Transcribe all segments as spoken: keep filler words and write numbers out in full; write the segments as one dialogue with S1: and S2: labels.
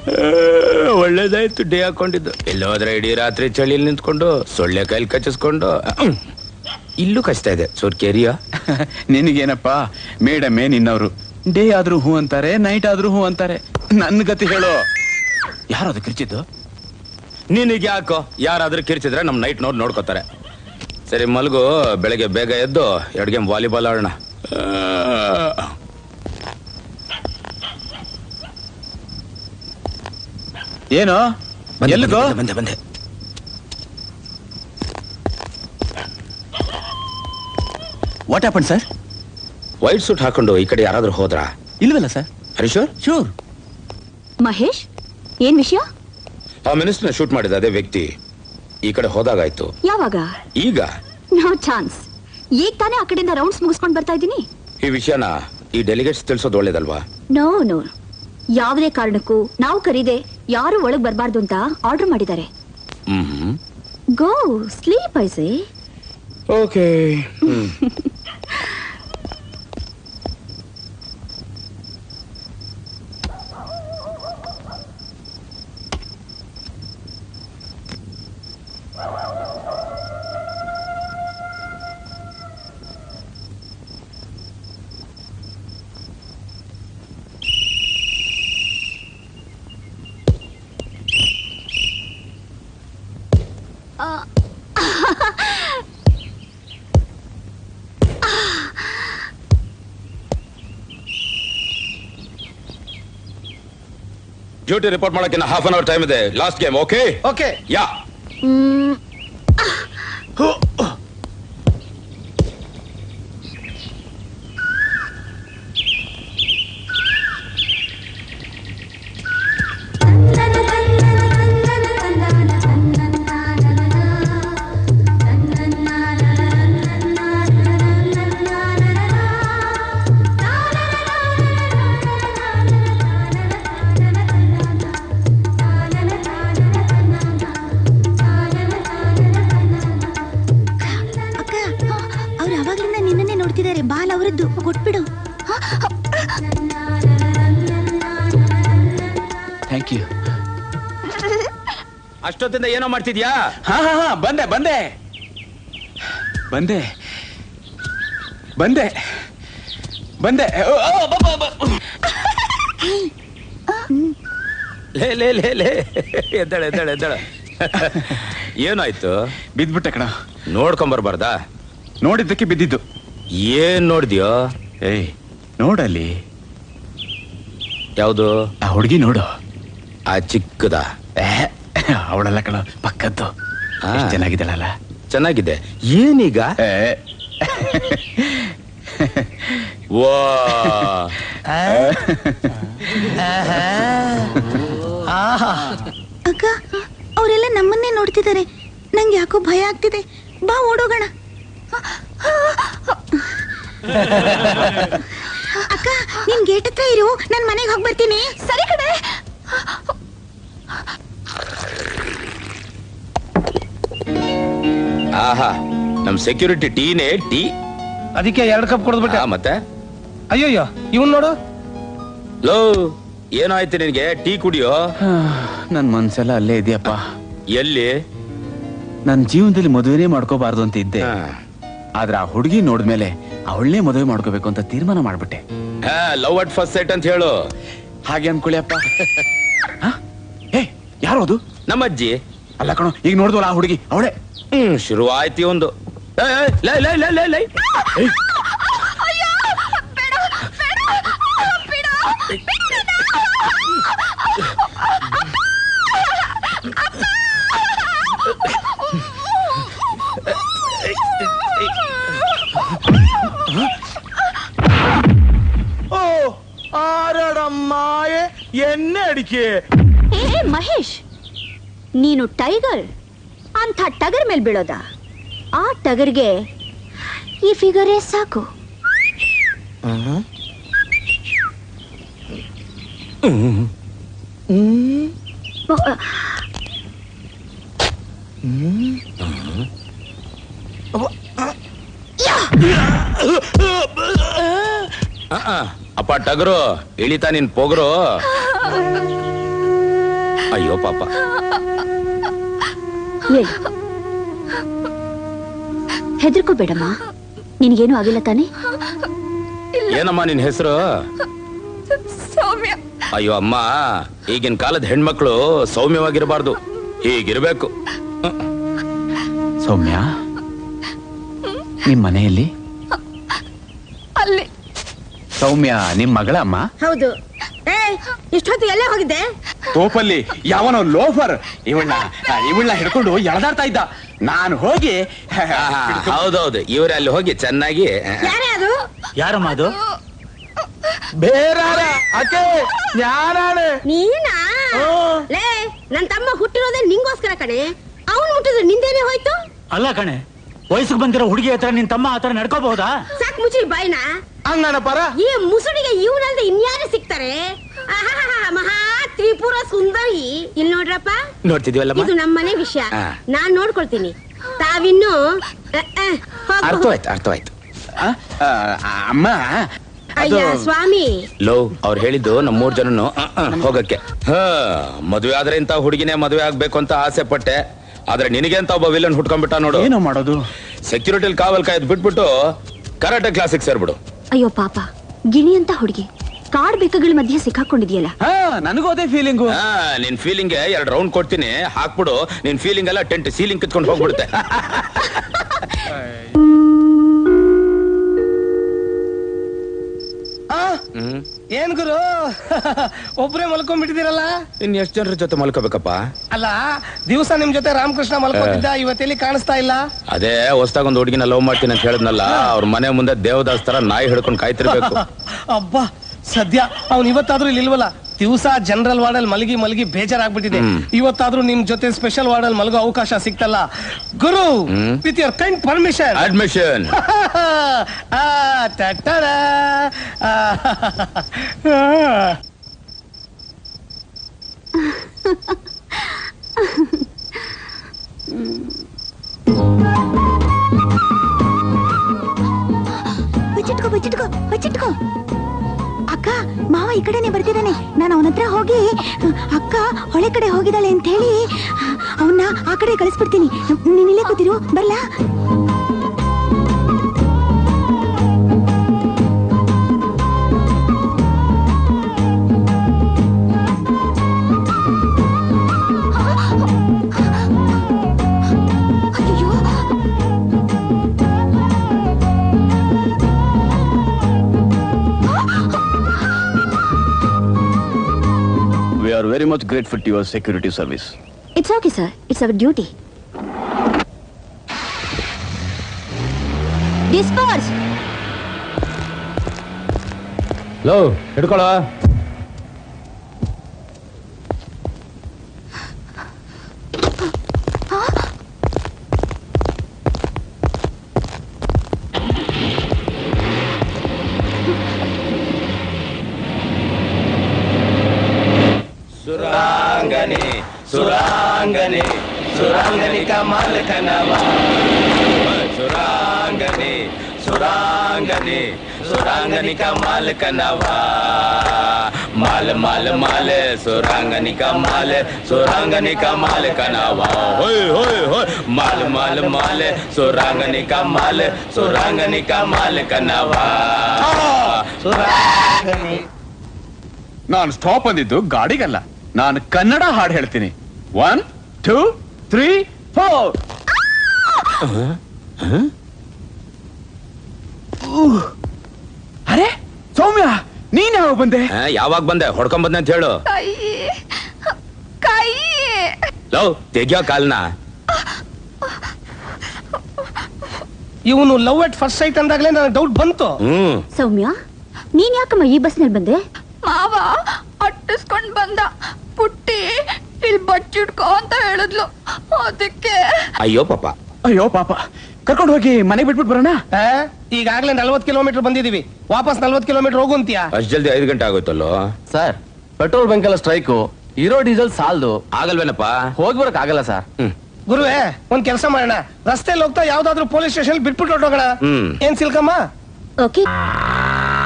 S1: ಒಳ್ಳೇದಾಯ್ತು ಡೇ ಹಾಕೊಂಡಿದ್ದು. ಎಲ್ಲೋದ್ರೆ ಇಡೀ ರಾತ್ರಿ ಚಳಿಯಲ್ಲಿ ನಿಂತ್ಕೊಂಡು ಸೊಳ್ಳೆ ಕೈಲಿ ಕಚ್ಚಿಸ್ಕೊಂಡು ಇಲ್ಲೂ ಕಷ್ಟ ಇದೆ ಸೋರ್ಕೇರಿಯ.
S2: ನಿನಗೇನಪ್ಪ ಮೇಡಮೇ ನಿನ್ನವರು. ಡೇ ಆದ್ರೂ ಹೂ ಅಂತಾರೆ, ನೈಟ್ ಆದ್ರೂ ಹೂ ಅಂತಾರೆ. ನನ್ನ ಗತಿ ಹೇಳೋ. ಯಾರದು ಕಿರ್ಚಿದ್ದು?
S1: ನಿನಗೆ ಯಾಕೋ? ಯಾರಾದ್ರೂ ಕಿರ್ಚಿದ್ರೆ ನಮ್ ನೈಟ್ ನೋಡ್ ನೋಡ್ಕೋತಾರೆ. ಸರಿ ಮಲ್ಗು, ಬೆಳಗ್ಗೆ ಬೇಗ ಎದ್ದು ಎರಡು ಗೇಮ್ ವಾಲಿಬಾಲ್ ಆಡೋಣ.
S2: ಏನೋ ಎಲ್ಲಿಗೋ?
S1: ಬಂದೆ ಬಂದೆ.
S2: What happen sir?
S1: White suit ಹಾಕೊಂಡು ಈ ಕಡೆ ಯಾರಾದ್ರೂ ಹೋದ್ರಾ?
S2: ಇಲ್ವಲ್ಲ ಸರ್.
S1: ಹರೀಶ್
S2: ಶೂರ್.
S3: ಮಹೇಶ್, ಏನ್ ವಿಷಯ?
S1: ಆ ಮಿನಿಸ್ಟರ್ನ ಶೂಟ್ ಮಾಡಿದ ಅದೇ ವ್ಯಕ್ತಿ ಈ ಕಡೆ ಹೋದಾಗಾಯ್ತು.
S3: ಯಾವಾಗ?
S1: ಈಗ.
S3: No chance. ಈಗ ತಾನೇ ಆ ಕಡೆಯಿಂದ ರೌಂಡ್ಸ್ ಮುಗಿಸ್ಕೊಂಡು ಬರ್ತಾ ಇದ್ದೀನಿ.
S1: ಈ ವಿಷಯನ ಈ ಡೆಲಿಗೇಟ್ಸ್ ತಿಳಿಸೋದು ಒಳ್ಳೇದಲ್ವಾ?
S3: ನೋ ನೋ, ಯಾವುದೇ ಕಾರಣಕ್ಕೂ ನಾವು ಕರೀದೆ ಯಾರು ಒಳಗ್ ಬರಬಾರ್ದು ಅಂತ ಆರ್ಡರ್ ಮಾಡಿದ್ದಾರೆ.
S1: Hmm.
S3: Go sleep I say.
S1: Okay. Duty report ಮಾಡಕ್ಕೆ ಹಾಫ್ ಅನ್ ಅವರ್ ಟೈಮ್ ಇದೆ. Last game. Okay
S2: okay.
S1: Ya.
S3: Ball ಅವರದ್ದು, ಕೊಟ್ಬಿಡು.
S2: Thank you.
S1: ಅಷ್ಟೊತ್ತಿಂದ ಏನೋ ಮಾಡ್ತಿದ್ಯಾ?
S2: ಹಾ ಹಾ ಹಾ ಬಂದೆ ಬಂದೆ ಬಂದೆ ಬಂದೆ ಬಂದೆ.
S1: ಲೇ ಲೇ ಲೇ ಲೇ ಎದ್ದಾಳೆ ಎದ್ದಾಳೆ ಎದ್ದಾಳೆ. ಏನಾಯ್ತು?
S2: ಬಿದ್ಬಿಟ್ಟೆ ಕಣ.
S1: ನೋಡ್ಕೊಂಬರ್ಬಾರ್ದಾ?
S2: ನೋಡಿದ್ದಕ್ಕೆ ಬಿದ್ದಿದ್ದು.
S1: ಏನ್ ನೋಡಿದ್ಯೋ?
S2: ಏಯ್ ನೋಡಲ್ಲಿ.
S1: ಯಾವುದು?
S2: ಆ ಹುಡುಗಿ ನೋಡು.
S1: ಆ ಚಿಕ್ಕದ?
S2: ಅವಳಲ್ಲ ಕಣ, ಪಕ್ಕದ್ದು. ಚೆನ್ನಾಗಿದ್ದಾಳಲ್ಲ?
S1: ಚೆನ್ನಾಗಿದೆ. ಏನೀಗ? ವಾ
S3: ಅಕ್ಕ, ಅವರೆಲ್ಲ ನಮ್ಮನ್ನೇ ನೋಡ್ತಿದ್ದಾರೆ. ನಂಗೆ ಯಾಕೋ ಭಯ ಆಗ್ತಿದೆ. ಬಾ ಓಡೋಗೋಣ. ಅಕ್ಕ, ನಿನ್ ಗೇಟ್ ಹತ್ರ ಇರು, ನನ್ ಮನೆಗೆ ಹೋಗಿ ಬರ್ತೀನಿ. ಸರಿ ಕಡೆ.
S1: ಆಹಾ, ನಮ್ ಸೆಕ್ಯೂರಿಟಿ ಟೀನೇ ಟೀ.
S4: ಅದಕ್ಕೆ ಎರಡು ಕಪ್ ಕೊಡ್ಬಿಟ್ಟೆ.
S1: ಮತ್ತೆ
S4: ಅಯ್ಯೋಯ್ಯೋ, ಇವನ್ ನೋಡು.
S1: ಲೋ, ಏನಾಯ್ತು ನಿನ್ಗೆ? ಟೀ ಕುಡಿಯೋ.
S2: ನನ್ ಮನ್ಸೆಲ್ಲ ಅಲ್ಲೇ ಇದೆಯಪ್ಪ.
S1: ಎಲ್ಲಿ?
S2: ನನ್ ಜೀವನದಲ್ಲಿ ಮದುವೆನೇ ಮಾಡ್ಕೋಬಾರ್ದು ಅಂತ ಇದ್ದೆ. ಆದ್ರೆ ಆ ಹುಡುಗಿ ನೋಡಿದ್ಮೇಲೆ ಅವಳನ್ನೇ ಮದುವೆ ಮಾಡ್ಕೋಬೇಕು ಅಂತ ತೀರ್ಮಾನ ಮಾಡ್ಬಿಟ್ಟೆ.
S1: ಲವ್ ಅಟ್ ಫಸ್ಟ್ ಸೈಟ್ ಅಂತ ಹೇಳು.
S2: ಹಾಗೆ ಅನ್ಕೊಳ್ಳಿ ಅಪ್ಪ. ಏ ಯಾರು ಅದು?
S1: ನಮ್ಮ ಅಜ್ಜಿ.
S2: ಅಲ್ಲ ಕಣೋ, ಈಗ ನೋಡಿದ್ವಲ್ಲ ಆ ಹುಡುಗಿ, ಅವಳೆ.
S1: ಹ್ಮ್, ಶುರು ಆಯ್ತಿ ಒಂದು. ಲೈ ಲೈ ಲೈ ಲೈ ಲೈ.
S4: ಓ ಆರಡಮ್ಮಾಯೆ ಎಣ್ಣೆ ಅಡಿಕೆ.
S3: ಏ ಮಹೇಶ್, ನೀನು ಟೈಗರ್ ಅಂತ ಟಗರ್ ಮೇಲೆ ಬೀಳೋದ? ಆ ಟಗರ್ಗೆ ಈ ಫಿಗರೇ ಸಾಕು.
S1: ಅಪ್ಪ ಟಗರು, ಇಳಿತಾ ನಿನ್ ಪೊಗರು. ಅಯ್ಯೋ ಪಾಪ.
S3: ಹೆದರ್ಕೋಬೇಡಮ್ಮ, ನಿನಗೇನು ಆಗಿಲ್ಲ ತಾನೆ?
S1: ಏನಮ್ಮ ನಿನ್ ಹೆಸರು?
S5: ಸೌಮ್ಯ.
S1: ಅಯ್ಯೋ ಅಮ್ಮ, ಈಗಿನ ಕಾಲದ ಹೆಣ್ಮಕ್ಳು ಸೌಮ್ಯವಾಗಿರಬಾರ್ದು, ಹೀಗಿರ್ಬೇಕು.
S2: ಸೌಮ್ಯ, ನಿಮ್ ಮನೆಯಲ್ಲಿ?
S5: ಅಲ್ಲಿ.
S2: ಸೌಮ್ಯ ನಿಮ್ ಮಗಳ ಅಮ್ಮ?
S5: ಹೌದು. ಏ, ಇಷ್ಟೊತ್ತು ಎಲ್ಲೇ ಹೋಗಿದ್ದೆ?
S2: ತೋಪಲ್ಲಿ ಯಾವನೋ ಲೋಫರ್ ಇವಳನ್ನ ಇವಳನ್ನ ಹಿಡ್ಕೊಂಡು ಎಳೆದಾಡ್ತಾ ಇದ್ದ. ನಾನು ಹೋಗಿ
S1: ಹೌದೌದು, ಇವ್ರೆ ಅಲ್ಲಿ ಹೋಗಿ ಚೆನ್ನಾಗಿ.
S5: ಯಾರೇ ಅದು?
S6: ಯಾರಮ್ಮ ಅದು?
S4: ಬೇರಾರ ಅಕೆ ಯಾರಾಳೆ?
S5: ನೀನಾ? ಲೇ, ನನ್ ತಮ್ಮ ಹುಟ್ಟಿರೋದೇ ನಿಂಗೋಸ್ಕರ ಕಣೆ. ಅವನ್ ಮುಟ್ಟಿದ್ರೆ ನಿಂದೇನೆ ಹೋಯ್ತು.
S6: ಅಲ್ಲ ಕಣೆ, ವಯಸ್ಸಿಗೆ ಬಂದಿರೋ ಹುಡುಗಿ ಹತ್ರ ನಿನ್ ತಮ್ಮ ಆತರ ನಡ್ಕೋಬಹುದಾ?
S5: ಸಾಕ್ ಮುಚ್ಚಿ ಬಾಯ್ನ.
S4: ಹಂಗಣ ಪರ.
S5: ಈ ಮುಸುಡಿಗೆ ಇವನಲ್ದೆ ಇನ್ಯಾರು ಸಿಗ್ತಾರೆ? ಆಹಾಹಾ, ಮಹಾ ತ್ರಿಪುರ ಸುಂದರಿ. ಇಲ್ಲಿ ನೋಡ್ರಪ್ಪ,
S1: ನೋಡ್ತಿದೀವಲ್ಲಮ್ಮ.
S5: ಇದು ನಮ್ಮನೆ ವಿಷಯ,
S1: ಹಾ.
S5: ನಾನ್ ನೋಡ್ಕೊಳ್ತೀನಿ. ತಾವಿನ್ನು ಅ, ಅ, ಹೋಗು.
S1: ಅರ್ಥವಾಯ್ತು ಅರ್ಥವಾಯ್ತು.
S2: ಆ, ಆ, ಅಮ್ಮ
S5: ಅಯ್ಯ ಸ್ವಾಮಿ.
S1: ಲೋ, ಅವ್ರು ಹೇಳಿದ್ದು ನಮ್ಮ ಮೂರ್ ಜನನು ಅಹ್, ಅಹ್, ಹೋಗಕ್ಕೆ. ಹ ಮದುವೆ ಆದ್ರೆ ಇಂತ ಹುಡುಗಿನೇ ಮದುವೆ ಆಗ್ಬೇಕು ಅಂತ ಆಸೆ ಪಟ್ಟೆ. ಆದ್ರೆ ನಿನಗೆ ಅಂತ ಒಬ್ಬ ವಿಲನ್ ಹುಟ್ಕೊಂಡ್ಬಿಟ್ಟ ನೋಡು.
S2: ಏನೋ ಮಾಡೋದು?
S1: ಸೆಕ್ಯೂರಿಟಿ ಕಾವಲ್ ಕಾಯ್ದು ಬಿಟ್ಬಿಟ್ಟು ಕರಾಟೆ ಕ್ಲಾಸಿಗೆ ಸೇರ್ಬಿಡು.
S3: ಅಯ್ಯೋ ಪಾಪ, ಗಿಣಿ ಅಂತ ಹುಡುಗಿ ಕಾಡ್ ಬೆಕ್ಕಗಳ ಮಧ್ಯೆ ಸಿಕ್ಕಾಕೊಂಡಿದ್ಯಲ್ಲ.
S2: ಹಾ, ನನಗೂ ಅದೇ ಫೀಲಿಂಗು.
S1: ಹಾ, ನಿನ್ ಫೀಲಿಂಗ್ ಎರಡು ರೌಂಡ್ ಕೊಡ್ತೀನಿ, ಹಾಕ್ಬಿಡು. ನಿನ್ ಫೀಲಿಂಗ್ ಎಲ್ಲ ಟೆಂಟ್ ಸೀಲಿಂಗ್ ಕಿತ್ಕೊಂಡು ಹೋಗ್ಬಿಡುತ್ತೆ. ಹ್ಮ್.
S4: ಏನ್ ಗುರು ಒಬ್ರೇ ಮಲ್ಕೊಂಡ್ಬಿಟ್ಟಿದ್ದೀರಲ್ಲ?
S1: ಇನ್ ಎಷ್ಟ್ ಜನರ ಜೊತೆ ಮಲ್ಕೋಬೇಕಪ್ಪ?
S4: ಅಲ್ಲ, ದಿವಸ ನಿಮ್ ಜೊತೆ ರಾಮಕೃಷ್ಣ ಮಲ್ಕೋತಿದ್ದ, ಇವತ್ತೆಲ್ಲಿ ಕಾಣಿಸ್ತಾ ಇಲ್ಲ?
S1: ಅದೇ ಹೊಸ್ದಾಗ ಒಂದು ಹುಡುಗಿನ ಲವ್ ಮಾಡ್ತೀನಿ ಅಂತ ಹೇಳಿದ್ನಲ್ಲ, ಅವ್ರ ಮನೆ ಮುಂದೆ ದೇವದಾಸ್ ತರ ನಾಯಿ ಹಿಡ್ಕೊಂಡು ಕಾಯ್ತಿರ್ಬೇಕು.
S4: ಅಬ್ಬಾ, ಸದ್ಯ ಅವ್ನು ಇವತ್ತಾದ್ರೂ ಇಲ್ಲಿ ಇಲ್ವಲ್ಲ. ದಿವಸ ಜನರಲ್ ವಾರ್ಡಲ್ ಮಲಗಿ ಮಲಗಿ ಬೇಜಾರಾಗ್ಬಿಟ್ಟಿದೆ. ಇವತ್ತಾದ್ರೂ ನಿಮ್ ಜೊತೆ ಸ್ಪೆಷಲ್ ವಾರ್ಡಲ್ ಮಲಗೋ ಅವಕಾಶ ಸಿಕ್ತಲ್ಲ. ಗುರು, with your kind permission.
S1: Admission.
S3: ಬಚ್ಚಿಟ್ಕೋ ಬಚ್ಚಿಟ್ಕೋ ಬಚ್ಚಿಟ್ಕೋ. ಅಕ್ಕ, ಮಾವ ಈ ಕಡೆನೆ ಬರ್ತಿದ್ದಾನೆ. ನಾನು ಅವನ ಹತ್ರ ಹೋಗಿ ಅಕ್ಕ ಹೊಳೆ ಕಡೆ ಹೋಗಿದ್ದಾಳೆ ಅಂತ ಹೇಳಿ ಅವನ್ನ ಆ ಕಡೆ ಕಳಿಸ್ಬಿಡ್ತೀನಿ. ನೀನ್ ಇಲ್ಲೇ ಕೂತಿರು, ಬರ್ಲಾ?
S2: We are very much grateful to your security service.
S3: It's okay, sir. It's our duty. Disperse.
S1: ಲೋ, ಹಿಡ್ಕೊಳ. ಸುರಾಂಗನೆ ಸುರಾಂಗನೆ ಸುರಾಂಗನೆ ಕಮಲ ಕನವ. ಸುರಾಂಗನೆ ಸುರಾಂಗನೆ ಸುರಾಂಗನೆ ಕಮಲ ಕನವ. ಮಾಲ ಮಾಲ ಮಾಲ ಸುರಾಂಗನೆ ಕಮಲ ಸುರಾಂಗನೆ ಕಮಲ ಕನವ. ಹೋಯ್ ಹೋಯ್ ಹೋಯ್ ಮಾಲ ಮಾಲ ಮಾಲ ಸುರಾಂಗನೆ ಕಮಲ ಸುರಾಂಗನೆ ಕಮಲ ಕನವ. ಸುರಾಂಗನೆ.
S2: ನಾನು ಸ್ಟಾಪ್ ಅಂದಿದ್ದು ಗಾಡಿಗಲ್ಲ, ನಾನು ಕನ್ನಡ ಹಾಡು ಹೇಳ್ತೀನಿ. One two three four. ಅರೆ ಸೌಮ್ಯ, ನೀನ್ ಯಾವಾಗ ಬಂದೆ?
S1: ಯಾವಾಗ ಬಂದೆ? ಹೊಡ್ಕೊಂಡ್ ಬಂದೆ ಅಂತ ಹೇಳು.
S5: ಕೈ ಕೈ.
S1: ಲವ್, ತೆಗಿಯೋ ಕಾಲ್ನ.
S4: ಇವನು ಲವ್ ಅಟ್ ಫಸ್ಟ್ ಸೈಟ್ ಅಂದಾಗ್ಲೇ ನನಗೆ ಡೌಟ್ ಬಂತು.
S1: ಹ್ಮ್.
S3: ಸೌಮ್ಯ, ನೀನ್ ಯಾಕಮ್ಮ ಈ ಬಸ್ನಲ್ಲಿ ಬಂದೆ?
S5: ಮಾವ ಅಟ್ಟಿಸ್ಕೊಂಡ್ ಬಂದ. ಪುಟ್ಟಿ ಇಲ್ಲಿ ಬಚ್ಚಿಡ್ಕೋ ಅಂತ ಹೇಳಿದ್ಲು, ಅದಕ್ಕೆ.
S1: ಅಯ್ಯೋ ಪಾಪ.
S2: ಅಯ್ಯೋ ಪಾಪ, ಕರ್ಕೊಂಡು ಹೋಗಿ ಮನೆಗೆ ಬಿಟ್ಬಿಟ್ಟು ಬರೋಣ.
S4: ಆ? ಈಗಾಗ್ಲೇ ನಲ್ವತ್ ಕಿಲೋಮೀಟರ್ ಬಂದಿದೀವಿ, ವಾಪಸ್ ನಲ್ವತ್ ಕಿಲೋಮೀಟರ್ ಹೋಗು ಅಂತೀಯಾ?
S1: ಅಷ್ಟ್ ಜಲ್ದಿ ಐದು ಗಂಟೆ ಆಗೋಯ್ತಲ್ಲೋ.
S7: ಸರ್, ಪೆಟ್ರೋಲ್ ಬಂಕ್ ಎಲ್ಲ ಸ್ಟ್ರೈಕು, ಇರೋ ಡೀಸೆಲ್ ಸಾಲದು.
S1: ಆಗಲ್ವೇನಪ್ಪ?
S7: ಹೋಗ್ಬರಕ್ ಆಗಲ್ಲ ಸರ್.
S1: ಹ್ಮ್.
S4: ಗುರುವೇ, ಒಂದ್ ಕೆಲಸ ಮಾಡೋಣ, ರಸ್ತೆಯಲ್ಲಿ ಹೋಗ್ತಾ ಯಾವ್ದಾದ್ರು ಪೊಲೀಸ್ ಸ್ಟೇಷನ್ ಬಿಟ್ಬಿಟ್ಟು ಹೊರಟೋಗೋಣ.
S1: ಹ್ಮ್.
S4: ಏನ್ ಸಿಲ್ಕಮ್ಮ?
S3: ಓಕೆ.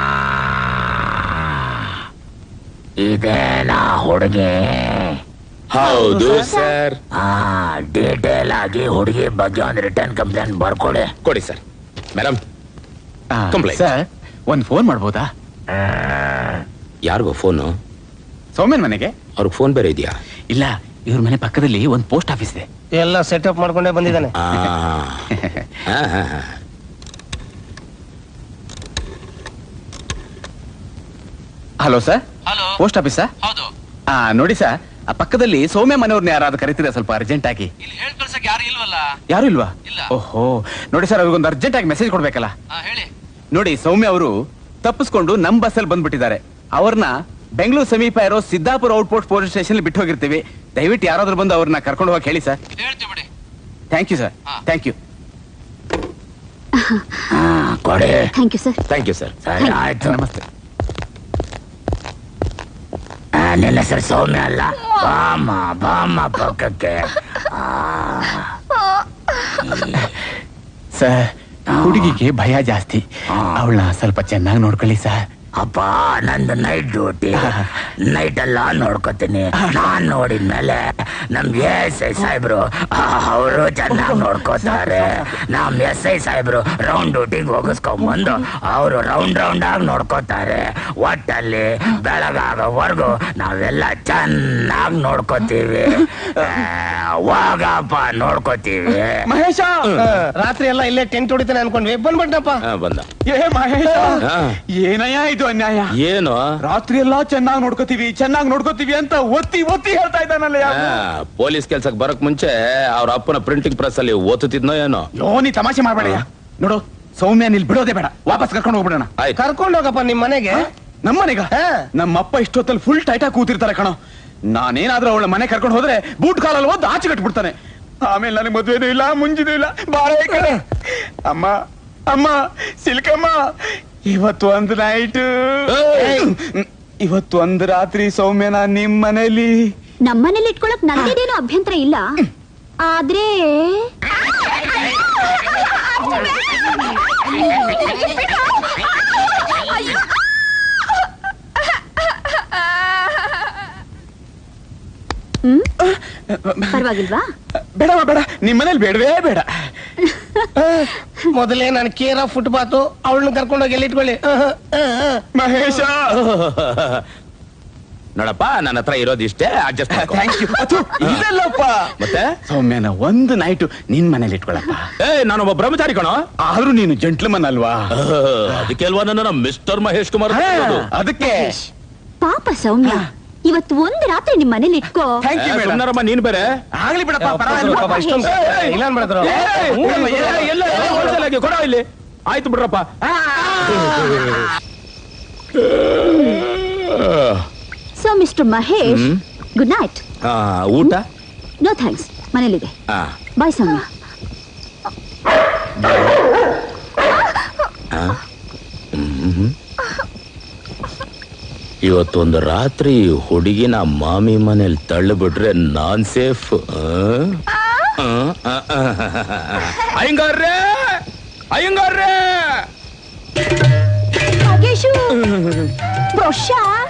S6: ಇದೇನಾ ಹುಡುಗಿ?
S1: ಹೌದು ಸರ್.
S6: ಡೀಟೇಲ್ ಆಗಿ ಹುಡುಗಿ ಬಗ್ಗೆ ಒಂದು ರಿಟರ್ನ್ ಕಂಪ್ಲೇಂಟ್ ಬರ್ಕೊಡಿ.
S1: ಕೊಡಿ ಸರ್. Madam Complaint.
S2: ಸರ್ ಒಂದ್ ಫೋನ್ ಮಾಡ್ಬೋದಾ?
S1: ಯಾರಿಗೋ ಫೋನು?
S2: ಸೌಮ್ಯನ್ ಮನೆಗೆ.
S1: ಅವ್ರಿಗೆ ಫೋನ್ ಬೇರೆ ಇದೆಯಾ?
S2: ಇಲ್ಲ, ಇವ್ರ ಮನೆ ಪಕ್ಕದಲ್ಲಿ ಒಂದ್ ಪೋಸ್ಟ್ ಆಫೀಸ್ ಇದೆ.
S4: ಎಲ್ಲ ಸೆಟಪ್ ಮಾಡ್ಕೊಂಡೇ ಬಂದಿದ್ದಾನೆ.
S1: ಆ. ಆ, ಆ, ಆ.
S2: Hello sir.
S8: ಹಲೋ.
S2: ಪೋಸ್ಟ್ ಆಫೀಸಾ?
S8: ಹೌದು.
S2: ಆ ನೋಡಿ ಸರ್, ಆ ಪಕ್ಕದಲ್ಲಿ ಸೌಮ್ಯ ಮನೆಯವ್ರನ್ನ ಯಾರಾದ್ರೂ ಕರಿತೀರಾ ಸ್ವಲ್ಪ ಅರ್ಜೆಂಟ್ ಆಗಿ?
S8: ಇಲ್ಲಿ ಹೇಳ್ ಕಳ್ಸಕ್ ಯಾರು ಇಲ್ವಲ್ಲ.
S2: ಯಾರು ಇಲ್ವಾ?
S8: ಇಲ್ಲ.
S2: ಓಹೋ, ನೋಡಿ ಸರ್, ಅವ್ರಿಗೊಂದು ಅರ್ಜೆಂಟ್ ಆಗಿ ಮೆಸೇಜ್ ಕೊಡ್ಬೇಕಲ್ಲ.
S8: ಹಾ, ಹೇಳಿ.
S2: ನೋಡಿ, ಸೌಮ್ಯ ಅವರು ತಪ್ಪಿಸ್ಕೊಂಡು ನಮ್ ಬಸ್ಸಲ್ಲಿ ಬಂದ್ಬಿಟ್ಟಿದ್ದಾರೆ. ಅವ್ರನ್ನ ಬೆಂಗಳೂರು ಸಮೀಪ ಇರೋ ಸಿದ್ದಾಪುರ ಔಟ್ಪೋಸ್ಟ್ ಪೊಲೀಸ್ ಸ್ಟೇಷನ್ ಬಿಟ್ಟು ಹೋಗಿರ್ತೀವಿ. ದಯವಿಟ್ಟು ಯಾರಾದ್ರೂ ಬಂದು ಅವ್ರನ್ನ ಕರ್ಕೊಂಡು ಹೋಗಿ ಹೇಳಿ ಸರ್.
S8: ಹೇಳ್ತೀವಿ ಬಿಡಿ.
S2: Thank you sir.
S8: ಹಾ.
S2: Thank you.
S6: ಕೊಡಿ.
S3: Thank you sir.
S1: Thank you sir.
S6: ಸರಿ ಆಯ್ತು.
S2: ನಮಸ್ತೆ.
S6: ಆ, ನಿನ್ನ ಹೆಸರು ಸೌಮ್ಯ ಅಲ್ಲ? ಬಾಮ ಬಾಮ ಪಕ್ಕಕ್ಕೆ.
S2: ಸರ್, ಹುಡುಗಿಗೆ ಭಯ ಜಾಸ್ತಿ.
S6: ಹಾ.
S2: ಅವಳನ್ನ ಸ್ವಲ್ಪ ಚೆನ್ನಾಗಿ ನೋಡ್ಕೊಳ್ಳಿ ಸರ್.
S6: ಅಪ್ಪ, ನಂದು ನೈಟ್ ಡ್ಯೂಟಿ. ನೈಟ್ ಎಲ್ಲ ನೋಡ್ಕೋತೀನಿ. ನಾನ್ ನೋಡಿದ್ಮೇಲೆ ನಮ್ ಎಸ್ ಐ ಸಾಹೇಬ್ರು ಅವರು ಚೆನ್ನಾಗಿ ನೋಡ್ಕೋತಾರೆ. ನಮ್ ಎಸ್ ಐ ಸಾಹೇಬ್ರು ರೌಂಡ್ ಡ್ಯೂಟಿಗೆ ಹೋಗಿಸ್ಕೊಂಡ್ಬಂದು ಅವರು ರೌಂಡ್ ರೌಂಡ್ ಆಗಿ ನೋಡ್ಕೋತಾರೆ. ಒಟ್ಟಲ್ಲಿ ಬೆಳಗಾಗೋವರೆಗೂ ನಾವೆಲ್ಲ ಚೆನ್ನಾಗಿ ನೋಡ್ಕೋತೀವಿ. ಹೋಗಪ್ಪ, ನೋಡ್ಕೋತೀವಿ.
S2: ಮಹೇಶ,
S4: ರಾತ್ರಿ ಎಲ್ಲ ಇಲ್ಲೇ ಟೆಂಟ್ ಹೊಡಿತಾನೆ ಅನ್ಕೊಂಡ್ವಿ. ಬಂದ್ಬಿಟ್ಟಪ್ಪ.
S1: ಆ, ಬಂದ.
S2: ಏ ಮಹೇಶ,
S1: ಹಾ.
S2: ಏನಯ್ಯ ಇದು ಅನ್ಯಾಯ?
S1: ಏನು?
S2: ರಾತ್ರಿ ಎಲ್ಲಾ ಚೆನ್ನಾಗಿ ನೋಡ್ಕೋತೀವಿ ಚೆನ್ನಾಗಿ ನೋಡ್ಕೋತೀವಿ ಅಂತ ಒತ್ತಿ ಒತ್ತಿ ಹೇಳ್ತಾ ಇದ್ದಾನಲ್ಲ.
S1: ಆ, ಪೊಲೀಸ್ ಕೆಲ್ಸಕ್ಕೆ ಬರಕ್ ಮುಂಚೆ ಅವ್ರ ಅಪ್ಪನ ಪ್ರಿಂಟಿಂಗ್ ಪ್ರೆಸ್ ಅಲ್ಲಿ ಓದುತ್ತಿದ್ನೋ ಏನೋ.
S2: ಯೋ, ನೀ ತಮಾಷೆ ಮಾಡ್ಬೇಡಯ್ಯ. ನೋಡು, ಸೌಮ್ಯ ನಿಲ್ ಬಿಡೋದೇ ಬೇಡ, ವಾಪಸ್ ಕರ್ಕೊಂಡು ಹೋಗ್ಬಿಡೋಣ.
S1: ಆಯ್ತು.
S4: ಕರ್ಕೊಂಡು ಹೋಗಪ್ಪ ನಿಮ್ ಮನೆಗೆ.
S2: ನಮ್ಮನೆಗ
S4: ಹಾ.
S2: ನಮ್ಮಪ್ಪ ಇಷ್ಟೊತ್ತಲ್ಲಿ ಫುಲ್ ಟೈಟಾಗಿ ಕೂತಿರ್ತಾರೆ ಕಣೋ. ನಾನೇನಾದ್ರೂ ಅವಳ ಮನೆ ಕರ್ಕೊಂಡು ಹೋದ್ರೆ ಬೂಟ್ ಕಾಲಲ್ಲಿ ಓದ್ ಆಚೆ ಕಟ್ಬಿಡ್ತಾನೆ. ಆಮೇಲೆ ನನಗೆ ಮದುವೆನೂ ಇಲ್ಲ, ಮುಂಜಿನೂ ಇಲ್ಲ. ಬಾಳೆ ಕಡೆ ಅಮ್ಮ ಅಮ್ಮ ಸಿಲ್ಕಮ್ಮ, ಇವತ್ತು ಒಂದು ನೈಟ್, ಇವತ್ತು ಒಂದು ರಾತ್ರಿ ಸೌಮ್ಯನ ನಿಮ್ ಮನೇಲಿ.
S3: ನಮ್ಮನೇಲಿ ಇಟ್ಕೊಳಕ್ ನಂದೇನು ಅಭ್ಯಂತರ ಇಲ್ಲ, ಆದ್ರೆ ಹ್ಮ್ ಪರವಾಗಿಲ್ವಾ?
S2: ಬೇಡವ ಬೇಡ, ನಿಮ್ ಮನೇಲಿ ಬೇಡವೇ ಬೇಡ.
S4: ಮೊದಲೇ ನಾನು ಕೇರ ಫುಟ್ಪಾತ್ ಅವಳನ್ನ ಕರ್ಕೊಂಡೋಗಿ ಎಲ್ಲಿ ಇಟ್ಕೊಳ್ಳಿ.
S2: ಮಹೇಶ,
S1: ನೋಡಪ್ಪ, ನನ್ನ ಹತ್ರ ಇರೋದು ಇಷ್ಟೇ, ಅಡ್ಜಸ್ಟ್ ಮಾಡ್ಕೊ.
S2: Thank you. ಇದೆಲ್ಲಪ್ಪ
S1: ಮತ್ತೆ
S2: ಸೌಮ್ಯನ ಒಂದು ನೈಟು ನಿನ್ ಮನೇಲಿ ಇಟ್ಕೊಳಪ್ಪ.
S1: ಏ, ನಾನೊಬ್ಬ ಬ್ರಹ್ಮಚಾರಿ ಕಣೋ.
S2: ಆದ್ರೂ ನೀನು ಜೆಂಟ್ಲ್ಮನ್ ಅಲ್ವಾ?
S1: ಅದಕ್ಕೆ ಅಲ್ವಾ ನನ್ನ ಮಿಸ್ಟರ್ ಮಹೇಶ್ ಕುಮಾರ್ ಅಂತ ಹೇಳೋದು.
S2: ಅದಕ್ಕೆ
S3: ಪಾಪ ಸೌಮ್ಯ, ಇವತ್ತು ಒಂದು ರಾತ್ರಿ ನಿಮ್ ಮನೇಲಿ ಇಟ್ಕೋ.
S2: ಥ್ಯಾಂಕ್ ಯು
S1: ಏ,
S2: ಮೇಡಮ್.
S1: ಸುಮ್ನಿರಮ್ಮ, ನೀನ್ ಬೇರೆ.
S2: ಆಗ್ಲಿ ಬಿಡಪ್ಪ,
S4: ಪಾಪ
S2: ಪರವಾಗಿಲ್ಲ.
S4: ಇಷ್ಟೊಂದು ಇಲ್ಲ ಅನ್ಬಿಡ್ತಾರ.
S2: ಏ, ಏ,
S1: ಹ್ಞೂ, ಎಲ್ಲ ಎಲ್ಲ wholesale ಆಗಿ ಕೊಡೋ ಇಲ್ಲಿ. ಆಯ್ತು ಬಿಡ್ರಪ್ಪ.
S3: So mister Mahesh, good night.
S1: ಆ, ಊಟ?
S3: ನೋ ಥ್ಯಾಂಕ್ಸ್, ಮನೇಲಿದೆ.
S1: ಆ,
S3: ಬಾಯ್ ಸೌಮ್ಯ.
S1: ಇವತ್ತೊಂದು ರಾತ್ರಿ ಹುಡುಗಿನ ಮಾಮಿ ಮನೇಲಿ ತಳ್ಳಿಬಿಟ್ರೆ ನಾನ್ ಸೇಫ್. ಅಯ್ಯಂಗಾರ್ರೆ, ಅಯ್ಯಂಗಾರ್ರೆ,
S3: ನಾಗೇಶು, ಬ್ರೋಷ,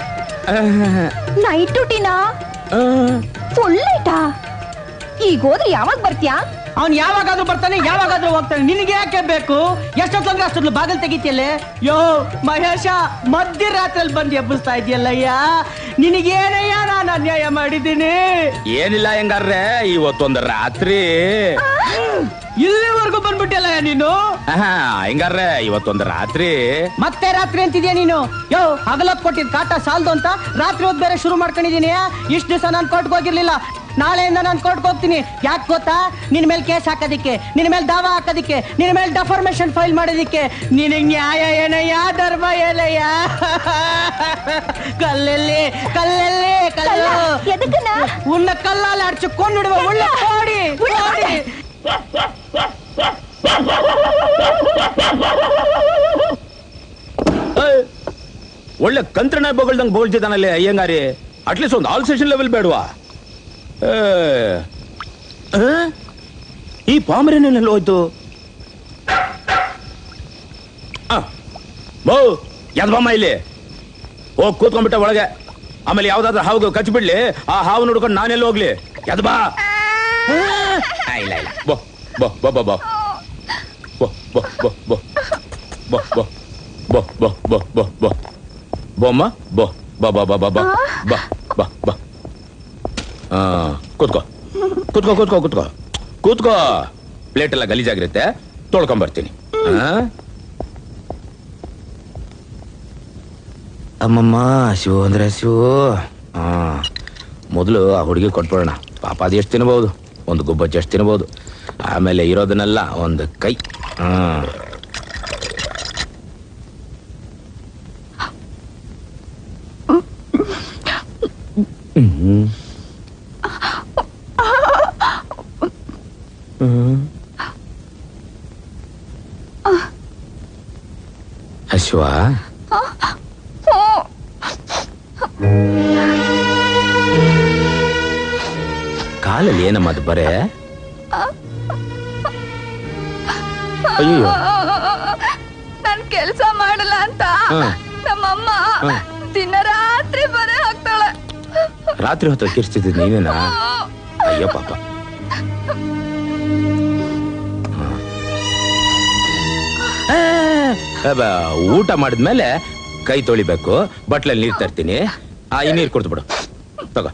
S3: ನೈಟ್ ಡ್ಯೂಟಿನಾ? ಫುಲ್ ನೈಟಾ? ಈಗ ಹೋದ್ರೆ ಯಾವಾಗ ಬರ್ತೀಯಾ?
S9: ಅವ್ನು ಯಾವಾಗಾದ್ರೂ ಬರ್ತಾನೆ, ಯಾವಾಗಾದ್ರೂ ಹೋಗ್ತಾನೆ. ನಿನಗೆ ಯಾಕೆ ಬೇಕು? ಎಷ್ಟೊತ್ತಂದ್ರೆ ಅಷ್ಟೊಂದು ಬಾಗಿಲು ತೆಗಿತಿಯಲ್ಲೇ. ಯೋ ಮಹೇಶ, ಮಧ್ಯರಾತ್ರಿಯಲ್ಲಿ ಬಂದು ಎಬ್ಬಿಸ್ತಾ ಇದೆಯಲ್ಲಯ್ಯ. ನಿನಗೇನಯ್ಯ ನಾನು ಅನ್ಯಾಯ ಮಾಡಿದ್ದೀನಿ?
S1: ಏನಿಲ್ಲ ಹೆಂಗಾರ್ರೆ, ಇವತ್ತೊಂದು ರಾತ್ರಿ
S9: ಇಲ್ಲಿವರೆಗೂ ಬಂದ್ಬಿಟ್ಟಿಯಲ್ಲಯ್ಯ ನೀನು.
S1: ಹೆಂಗಾರ್ರೆ, ಇವತ್ತೊಂದು ರಾತ್ರಿ
S9: ಮತ್ತೆ ರಾತ್ರಿ ಅಂತಿದ್ಯಾ ನೀನು? ಯೋ, ಹಗಲತ್ ಕೊಟ್ಟಿದ್ ಕಾಟ ಸಾಲ್ದು ಅಂತ ರಾತ್ರಿ ಹೊತ್ತು ಬೇರೆ ಶುರು ಮಾಡ್ಕೊಂಡಿದೀನಿ. ಇಷ್ಟು ದಿವಸ ನಾನು ಕೊರ್ಟ್ಗೆ ಹೋಗಿರ್ಲಿಲ್ಲ. ನಾಳೆಯಿಂದ ನಾನು ಕೋರ್ಟ್ಗೆ ಹೋಗ್ತೀನಿ. ಯಾಕೆ ಗೊತ್ತಾ? ನಿನ್ ಮೇಲೆ ಕೇಸ್ ಹಾಕೋದಿಕ್ಕೆ, ನಿನ್ ಮೇಲೆ ದಾವ ಹಾಕೋದಿಕ್ಕೆ, ನಿನ್ ಮೇಲೆ ಡೆಫಾರ್ಮೇಶನ್ ಫೈಲ್ ಮಾಡೋದಿಕ್ಕೆ. ನಿನಗೆ ನ್ಯಾಯ ಏನಯ್ಯ, ಧರ್ಮ ಏನಯ್ಯ? ಕಲ್ಲಲ್ಲಿ ಕಲ್ಲಲ್ಲಿ ಕಲ್ಲು
S3: ಎದಕ್ಕನ?
S9: ಉನ್ನ ಕಲ್ಲಲ್ಲಿ ಅಡ್ಚು ಕೊಂಡ್ಬಿಡುವ ಉಳ್ಳ ಕೋಡಿ ಕೋಡಿ.
S1: ಒಳ್ಳೆ ಕಂತ್ರಣ ಬೊಗಳ್ದಂಗ್ ಬೋಳ್ತಿದ್ದಾನಲ್ಲಿ ಅಯ್ಯಂಗಾರಿ. ಅಟ್ಲೀಸ್ಟ್ ಒಂದು ಆಲ್ ಸೆಷನ್ ಲೆವೆಲ್ ಬೇಡವಾ? ಈ ಪಾಮರೇನಲ್ಲಿ ಹೋಯ್ತು. ಬೋ, ಯಾವ್ದಮ್ಮ ಇಲ್ಲಿ ಹೋಗಿ ಕೂತ್ಕೊಂಡ್ಬಿಟ್ಟ ಒಳಗೆ. ಆಮೇಲೆ ಯಾವ್ದಾದ್ರು ಹಾವು ಕಚ್ಬಿಡ್ಲಿ, ಆ ಹಾವು ನೋಡ್ಕೊಂಡು ನಾನೆಲ್ಲ ಹೋಗ್ಲಿ. ಎದ್ ಬಾ. ಆ, ಇಲ್ಲ ಇಲ್ಲ ಬೋ ಬೋ ಬೋ ಬೋ ಬೋ ಬೋ ಬೋ ಬೋ ಬೋ ಬೋ ಬೋ ಬೋ ಬೋ ಬೋ ಬೋ ಬೋ ಬೋಮ್ಮ ಬೋ ಬಾ ಬಾ ಬಾ ಬಾ ಬಾ ಬಾ ಬಾ ಬಾ. ಹಾ ಕೂತ್ಕೋ ಕೂತ್ಕೋ ಕೂತ್ಕೋ ಕೂತ್ಕೋ ಕೂತ್ಕೋ. ಪ್ಲೇಟ್ ಎಲ್ಲ ಗಲೀಜಾಗಿರುತ್ತೆ, ತೊಳ್ಕೊಂಬರ್ತೀನಿ. ಅಮ್ಮಮ್ಮ ಶಿವು ಅಂದ್ರೆ ಶಿವು. ಹಾ ಮೊದಲು ಆ ಹುಡುಗಿ ಕೊಟ್ಬಿಡೋಣ. ಪಾಪ ಅದು ಎಷ್ಟು ತಿನ್ಬಹುದು, ಒಂದು ಗುಬ್ಬಚ್ಚಿ ಎಷ್ಟು ತಿನ್ಬಹುದು. ಆಮೇಲೆ ಇರೋದನ್ನೆಲ್ಲ ಒಂದು ಕೈ. ಹಾ ಹ್ಮ್ ಅಶ್ವ, ಕಾಲಲ್ಲಿ ಏನಮ್ಮ ಅದು ಬರೇ? ಅಯ್ಯೋ,
S8: ನನ್ ಕೆಲ್ಸ ಮಾಡಲ್ಲ ಅಂತ ನಮ್ಮಮ್ಮ ದಿನ ರಾತ್ರಿ ಬರೇ ಹಾಕ್ತಾಳೆ.
S1: ರಾತ್ರಿ ಹೊತ್ತು ಕಿರ್ಸ್ತಿದ್ದ ನೀನೇನಾ? ಅಯ್ಯೋ ಪಾಪ. ಊಟ ಮಾಡಿದ್ಮೇಲೆ ಕೈ ತೊಳಿಬೇಕು, ಬಟ್ಲಲ್ಲಿ ನೀರ್ ತರ್ತೀನಿ. ಆ ಈ ನೀರ್ ಕೊಡ್ತು ಬಿಡು, ತಗೋ.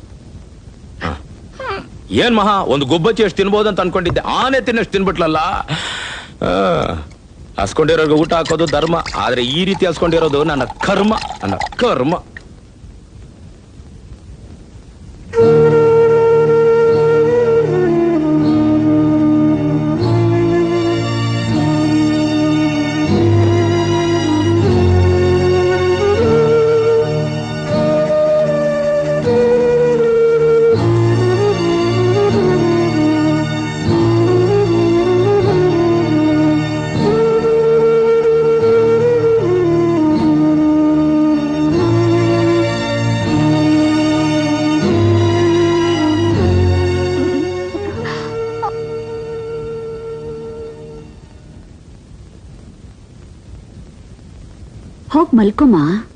S1: ಏನ್ ಮಹಾ, ಒಂದು ಗುಬ್ಬಚ್ಚಿ ಎಷ್ಟು ತಿನ್ಬೋದು ಅಂತ ಅನ್ಕೊಂಡಿದ್ದೆ, ಆನೆ ತಿನ್ನಷ್ಟು ತಿನ್ಬಿಟ್ಲಲ್ಲ. ಹಸ್ಕೊಂಡಿರೋರ್ಗೆ ಊಟ ಹಾಕೋದು ಧರ್ಮ, ಆದ್ರೆ ಈ ರೀತಿ ಹಸ್ಕೊಂಡಿರೋದು ನನ್ನ ಕರ್ಮ, ನನ್ನ ಕರ್ಮ.
S3: ಹೋಗ್ ಮಲ್ಕೊಮ್ಮ.